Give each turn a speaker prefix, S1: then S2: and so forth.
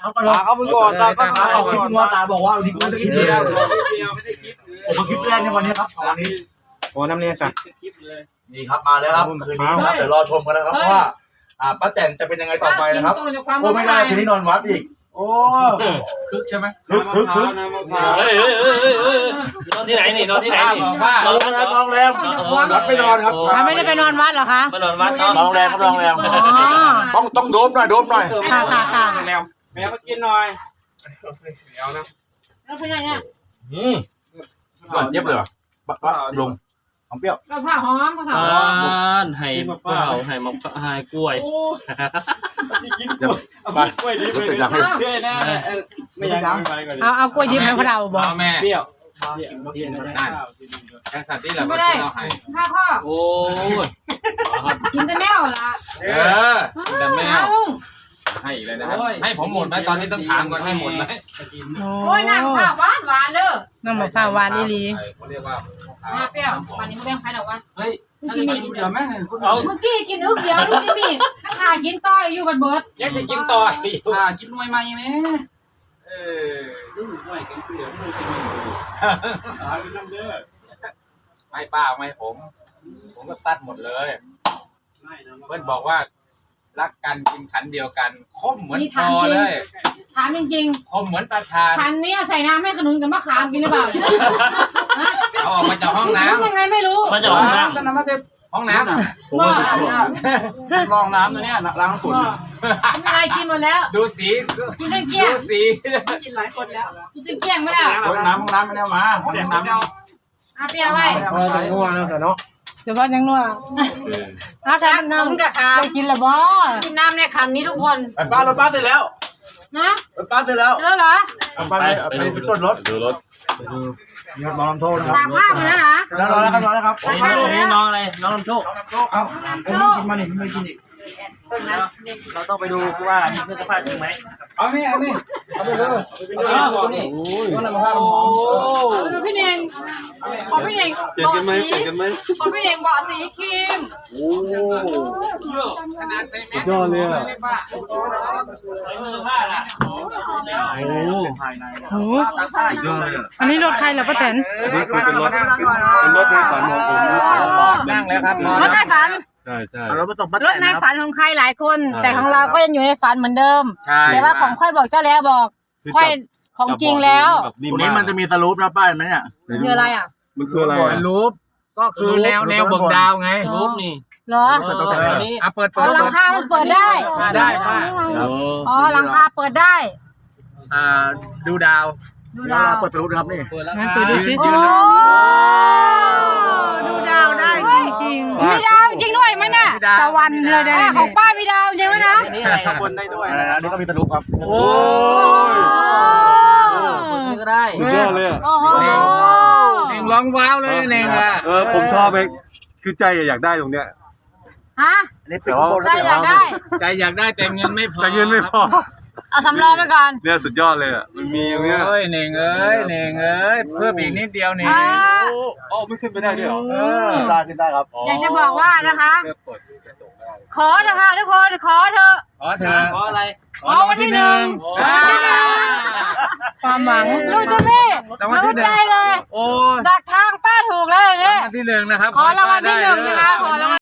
S1: เขามึงก่อนตาก็มา
S2: คลิปงัวตาบอกว่าวันนี้กูจะคลิปเดียวไม่ได้คลิปผมคลิปแรกในวันนี้ครับวันนี้โอ้น้ำเนี่ยสัตว์นี่ครับมาแล้วครับคืนนี้ครับเดี๋ยวรอชมกันนะครับเพราะว่าป้าแตนจะเป็นยังไงต่อไปนะครับโอ้ไม่ได้คืนนี้นอนวัดอีกโอ้คึกใช่ไหมคึก
S1: นอนที่ไหนนี่นอนที่ไหนนี่
S2: นอนแรมวัดไปนอนครับ
S3: ไม่ได้ไปนอนวัดเหรอคะ
S1: ไปนอนวัดนอนแรมครับนอนแรม
S2: ต้องโดบหน่อย
S3: ค่ะ
S1: แมวมากินหน่อยเดี๋ยวนะ
S3: แล้วเป็นไงเนี่ย
S2: ก่อนเจ็บเลยป่ะลงหอมเปรี้ยว
S3: เราผ่าหอมผ่าหอ
S1: มไห่เปล่าไห่มะไห่กล้วย
S2: ไปกล้วยดิบไปอยากให้
S1: ไม่อยากไปก่อน
S3: เอากล้วยดิบให้พวกเราบอก
S1: แม่เปรี้ยว
S4: แค่สัตว์ที่เราไม่
S3: ได้
S4: ข้าว
S3: ข้อ
S1: โอ้
S3: กินแต่แมวละ
S4: แต่แมวให้อีกเลยนะครับให้ผมหมดไหมตอนนี้ต้องถามก่อนให้หมดไหม
S3: โอ้ยน้ำข้าวหวานเด้อน้ำมะพร้าวหวานอีหลี
S4: เขาเรียกว่า
S3: เปรี้ยววันนี้ไม่แบ่งใครหรอกวะ
S1: เฮ้ยกินเดี๋ยวแม่
S3: เมื่อกี้กินอึกเดียวลูกนี่มีข้ากินต่อยอยู่บัดเบิด
S4: แกจะกินต่อย
S1: กินหน่วยใหม่ไหม
S4: ไม่ป้าไม่ผมก็ซัดหมดเลยเพื่อนบอกว่ารักกันกินขันเดียวกันคมเหมือนพอเลย
S3: ถามจริง
S4: ๆคมเหมือนตาชา
S3: ขันนี้ใส่น้ำให้ขนุนกับมะขามกินหรือเปล่า
S4: เอาออกมาจากห้องน้ำ
S3: ยังไงไม่รู้
S1: มาจากห้องน้ำ
S4: ก็น้ำมาเต็มห้องน้ำ
S1: ลองน้ำตัวเนี้ยล้างฝุ่น
S3: อะไรกินหมดแล้ว
S4: ดูสี
S3: กินเกลี้ยง
S4: ดูสี
S3: กินหลายคนแล้วกินเกลี้ยงไม่ได้
S1: น้ำห้องน้ำไม่ได้มาเสียงน้ำ
S3: เปรี้ยวไว้
S2: งัวนะสเนาะ
S3: เดี๋ยวว่ายังนัวเอาทำน้ำกับข้าวกินละบ่กินน้ำในขันนี้ทุกคน
S2: ป้ารถป้าเสร็จแล้ว
S3: นะ
S2: ป้าเสร็จแล้ว
S3: เจอเหรอ
S2: ป้าไปตรวจรถ
S1: ดูรถ
S2: นี่ครับน้องลำโทษนะครับ
S3: ตากผ้ามาแล้วนะ
S2: รอแล้วครับ
S1: นี่น้องอะไรน้องลำโชค
S2: เอาผมกินมานี่ไม่กินอีก
S1: เราต้องไปดูว่ามีเสื้อผ้าจริงไหม
S2: เอาไปเลย
S1: โอ้
S3: พี่เน่งขอพี่เน่งบอกสีขอพี่เน่งบอกสีครีม
S1: โอ้ยอดเลยอ่ะ
S3: โอ้อันนี้รถใครเหรอป้าแตน
S1: เป็นรถในฝันของผม
S4: นั่งแล้วครับ
S3: รถในฝัน
S1: ใช่
S3: รถในฝันของใครหลายคนแต่ของเราก็ยังอยู่ในฝันเหมือนเดิมแต่ว่าของค่อยบอกเจ้าแล้วบอกค่อยของจริงแล้ว
S2: ตรงนี้มันจะมีสรูปนะป้ายไหมเนี่ย
S3: คืออะไรอ่ะ
S1: มันคืออะไร
S4: รูปก็คือแนวเบิ่งดาวไง
S1: รูปนี่
S3: เหรอ
S4: เปิด
S3: หลังคามันเปิดได้
S4: ป้า
S3: อ๋อหลังคาเปิดได้
S4: ดูดาว
S2: เปิดสรูปครับนี่
S3: งั้นเปิดดูสิดูดาวได้จริงๆมีดาวจริงด้วยมั้ยน่ะตะวันเลยนะของป้ามีดาวจริงมั้ยนะ
S4: นี่อะไรบนได้ด้วย
S2: อันนี้ก็มีสรูปครับ
S1: โอ้
S4: นี่ก็ได้
S1: สุดยอดเลย
S4: เน่งร้องว้าวเลยเน่งอ่ะ
S1: ผมชอบเองคือใจอยากได้ตรงเนี้ย
S3: ฮะใจอยากได้
S4: แต่เงินไม่พอ
S3: เอาสำรองไปก่อน
S1: เนี่ยสุดยอดเลยอ่ะมันมีตรงเนี้ย
S4: เน่งเอ้ยเพิ่มอีกนิดเดียวนี่
S1: ไม่ขึ้นไปได้ด้วยหรอ
S2: ได้ขึ้นได้ครับ
S3: อยากจะบอกว่านะคะขอเถอะค่ะทุกคนขอเถอะ
S4: ขออะไร
S3: ขอวันที่1ความหวังรู้จะไม่รู้ใจเลยดักทางป้าถูกเลยเนี่ย
S4: วันที่1นะครับ
S3: ขอรางวัลที่1นะคะขอรางวัล